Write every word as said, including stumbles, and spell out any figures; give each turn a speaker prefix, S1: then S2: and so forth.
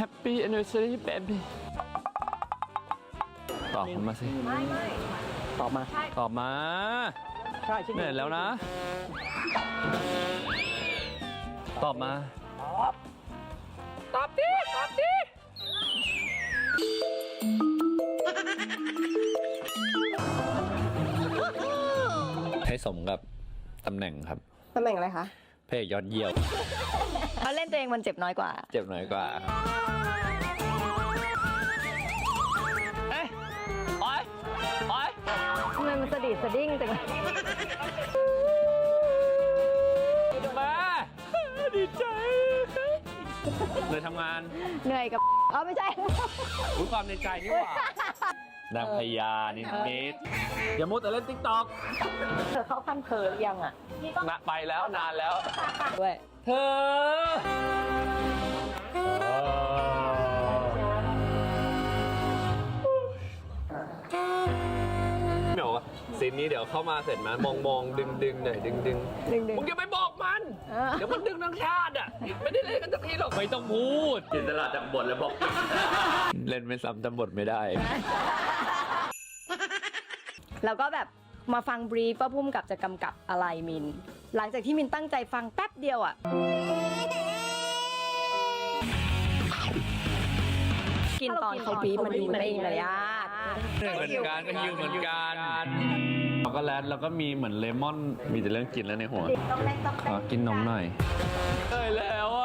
S1: Happy Anniversary Baby ตอบมาสิ
S2: ไม่ไม่ตอบมา
S1: ตอบมา
S2: ใช่ชิ้น
S1: เหนื่อยแล้วนะ ตอบมา ตอบดิ ตอบดิ ให้สมกับตำแหน่งครับ
S2: ตำแหน่งอะไรคะ
S1: เพลงยอดเยี่ยม
S3: เขาเล่นตัวเองมันเจ็บน้อยกว่า
S1: เจ็บน้อยกว่าเอ้ยโอ๊ยโอ๊ย
S3: ทำไมมันสะดิดสะดิ้งจังเลย
S1: มาดีใจเลยทำงาน
S3: เหนื่อยกับอ๋อไม่ใช่
S1: รู้ความในใจนี่หว่านางพญานิมิตอย่ามุดแต่เล่นติ๊กต็อก
S3: เธอเข้าขั้นเพอหรือยังอ่ะ
S1: นะไปแล้วนานแล้ว
S3: ด้วย
S1: เธอเดี๋ยวซีนนี้เดี๋ยวเข้ามาเสร็จนะมองมองดึงดึงหน่อยดึงดึง
S3: ดึงดึง
S1: มึงอย่าไปบอกมัน
S3: เออ
S1: เดี๋ยวมันดึงทั้งชาติอ่ะไม่ได้เล่นกันสักทีหรอกไม่ต้องพูดจินตลาดจำบทแล้วบอก เล่นไม่ซ้ำจำบทไม่ได้
S3: แล้วก็แบบมาฟังบรีฟว่าพุ่มกับจะกำกับอะไรมิน หลังจากที่มินตั้งใจฟังแป๊บเดียวอ่ะ กินตอนเขาบรีฟมันดูไม่มีมารยาท
S1: เหมือนกันก็ฮิวเหมือนกันช็อกโกแลตแล้วก็มีเหมือนเลมอนมีแต่เรื่องกินแล้วในหัว
S3: ต้องเล่นต้อง
S1: ขอกินนมหน่อยเอ้ยแล้วอ่ะ